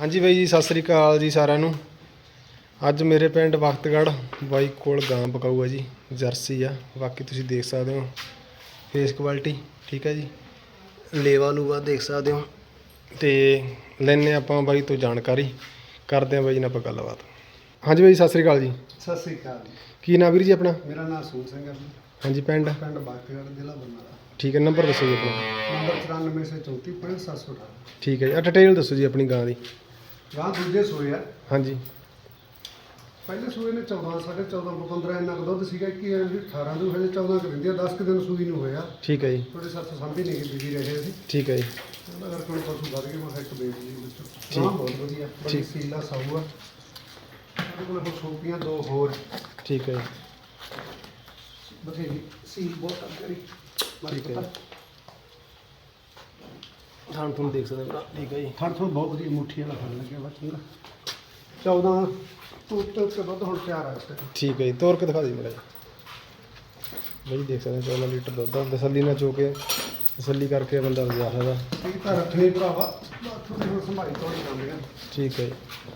ਹਾਂਜੀ ਬਾਈ ਜੀ, ਸਤਿ ਸ੍ਰੀ ਅਕਾਲ ਜੀ ਸਾਰਿਆਂ ਨੂੰ। ਅੱਜ ਮੇਰੇ ਪਿੰਡ ਬਖਤਗੜ੍ਹ ਬਾਈ ਕੋਲ ਗਾਂ ਬਕਾਊ ਆ ਜੀ, ਜਰਸੀ ਆ। ਬਾਕੀ ਤੁਸੀਂ ਦੇਖ ਸਕਦੇ ਹੋ ਫੇਸ ਕੁਆਲਿਟੀ, ਠੀਕ ਹੈ ਜੀ। ਲੇਵਾ ਲੂਵਾ ਦੇਖ ਸਕਦੇ ਹੋ। ਤੇ ਲੈਨੇ ਆਪਾਂ ਬਾਈ ਤੋਂ ਜਾਣਕਾਰੀ, ਕਰਦੇ ਹਾਂ ਬਾਈ ਨਾਲ ਆਪਾਂ ਗੱਲਬਾਤ। ਹਾਂਜੀ ਬਾਈ, ਸਤਿ ਸ੍ਰੀ ਅਕਾਲ ਜੀ। ਸਤਿ ਸ੍ਰੀ ਅਕਾਲ ਜੀ। ਕੀ ਨਾਮ ਵੀਰ ਜੀ ਆਪਣਾ? ਮੇਰਾ ਨਾਮ ਸੂਰ ਸਿੰਘ ਹੈ ਜੀ। ਹਾਂਜੀ, ਪਿੰਡ ਬਖਤਗੜ੍ਹ, ਜ਼ਿਲ੍ਹਾ ਬਰਨਾਲਾ। ਠੀਕ ਹੈ। ਨੰਬਰ ਦੱਸੋ ਜੀ ਆਪਣਾ। ਨੰਬਰ 9434 ਠੀਕ ਹੈ ਜੀ। ਡਿਟੇਲ ਦੱਸੋ ਜੀ ਆਪਣੀ ਗਾਂ ਦੀ। ਗਾਂ ਦੂਜੇ ਸੂਏ ਆ। ਹਾਂਜੀ। ਪਹਿਲੇ ਸੂਏ ਨੇ 14 ਸਾਢੇ 14 15 ਇੰਨਾ ਕੁ ਦੁੱਧ ਸੀਗਾ। 18 ਨੂੰ ਹਜੇ 14 ਕੁ ਦਿੰਦੀ ਆ। 10 ਕੁ ਦਿਨ ਸੂਈ ਨੂੰ ਹੋਇਆ। ਠੀਕ ਹੈ ਜੀ। ਥੋੜੇ ਸੱਤ ਸਾਂਭੀ ਨਹੀਂ ਗਈ ਬਿਜੀ ਰਹੇ ਸੀ। ਠੀਕ ਹੈ ਜੀ। ਉਹਦਾ ਕਰਕੇ ਹੁਣ ਪਸ਼ੂ ਵੱਧ ਗਏ। ਮੈਂ ਇੱਕ ਵੇਚ ਲਈ ਵਿੱਚੋਂ। ਗਾਂ ਬਹੁਤ ਵਧੀਆ, ਬੜੀ ਸੀਲਾ ਸਾਊ ਆ। ਸਾਡੇ ਕੋਲ ਹੁਣ ਸੂਪੀਆਂ ਦੋ ਹੋਰ। ਠੀਕ ਹੈ ਜੀ। ਬਥੇਰੀ ਸੀਲ ਬਹੁਤ ਆ ਕਰੀ। ਠੀਕ ਹੈ। ਥਾਣ ਤੁਹਾਨੂੰ ਦੇਖ ਸਕਦੇ ਭਰਾ। ਠੀਕ ਹੈ ਜੀ। ਥਣ ਥਣ ਬਹੁਤ ਵਧੀਆ, ਮੁੱਠੀ ਵਾਲਾ ਫੜ ਲੱਗਿਆ ਵਾ ਚੰਗਾ। 14 ਤੋਂ ਦੁੱਧ ਹੁਣ ਤਿਆਰ ਆ ਇਸ ਟਾਈਮ। ਠੀਕ ਹੈ ਜੀ। ਤੋਰ ਕੇ ਦਿਖਾ ਦਿਓ ਮੇਰਾ ਜੀ। ਬਾਈ ਦੇਖ ਸਕਦੇ 14 ਲੀਟਰ ਦੁੱਧ ਆ। ਤਸੱਲੀ ਨਾਲ ਚੋ ਕੇ ਤਸੱਲੀ ਕਰਕੇ ਬੰਦਾ ਲਿਜਾ ਸਕਦਾ। ਠੀਕ ਤਾਂ ਰੱਖਣੀ ਭਰਾਵਾ, ਥੋੜੀ ਹੁਣ ਸੰਭਾਈ ਤੋੜੀ ਜਾਂਦੇ ਆ। ਠੀਕ ਹੈ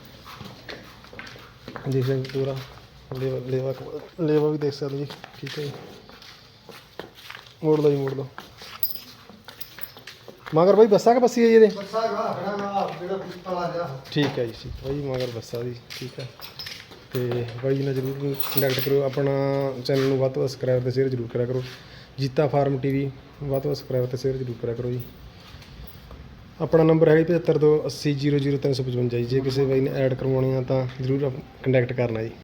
ਜੀ। ਦੇਖ ਸਕਦੇ ਪੂਰਾ ਲੇਵਾ ਵੀ ਦੇਖ ਸਕਦੇ ਜੀ। ਠੀਕ ਹੈ ਜੀ। ਮੋੜ ਲਓ ਜੀ, ਮੋੜ ਲਓ। ਮਗਰ ਬਾਈ ਬੱਸਾ ਕਿ ਬੱਸੀ ਹੈ ਜੀ ਇਹਦੇ? ਬੱਸਾ ਗਾ ਖੜਾ ਨਾ ਜਿਹੜਾ ਕਾਲਾ ਜਿਹਾ। ਠੀਕ ਹੈ ਜੀ। ਠੀਕ ਬਾਈ, ਮਗਰ ਬੱਸਾ ਦੀ। ਠੀਕ ਹੈ। ਤੇ ਬਾਈ ਜੀ ਨਾਲ ਜ਼ਰੂਰ ਕੰਟੈਕਟ ਕਰੋ। ਆਪਣਾ ਚੈਨਲ ਨੂੰ ਵੱਧ ਤੋਂ ਵੱਧ ਸਬਸਕ੍ਰਾਈਬ ਅਤੇ ਸ਼ੇਅਰ ਜ਼ਰੂਰ ਕਰਿਆ ਕਰੋ। ਜੀਤਾ ਫਾਰਮ TV ਵੱਧ ਤੋਂ ਵੱਧ ਸਬਸਕ੍ਰਾਈਬ ਅਤੇ ਸ਼ੇਅਰ ਜ਼ਰੂਰ ਕਰਿਆ ਕਰੋ ਜੀ। ਆਪਣਾ ਨੰਬਰ ਹੈਗਾ 7528000355 ਜੀ। ਜੇ ਕਿਸੇ ਬਾਈ ਨੇ ਐਡ ਕਰਵਾਉਣੀ ਆ ਤਾਂ ਜ਼ਰੂਰ ਕੰਟੈਕਟ ਕਰਨਾ ਜੀ।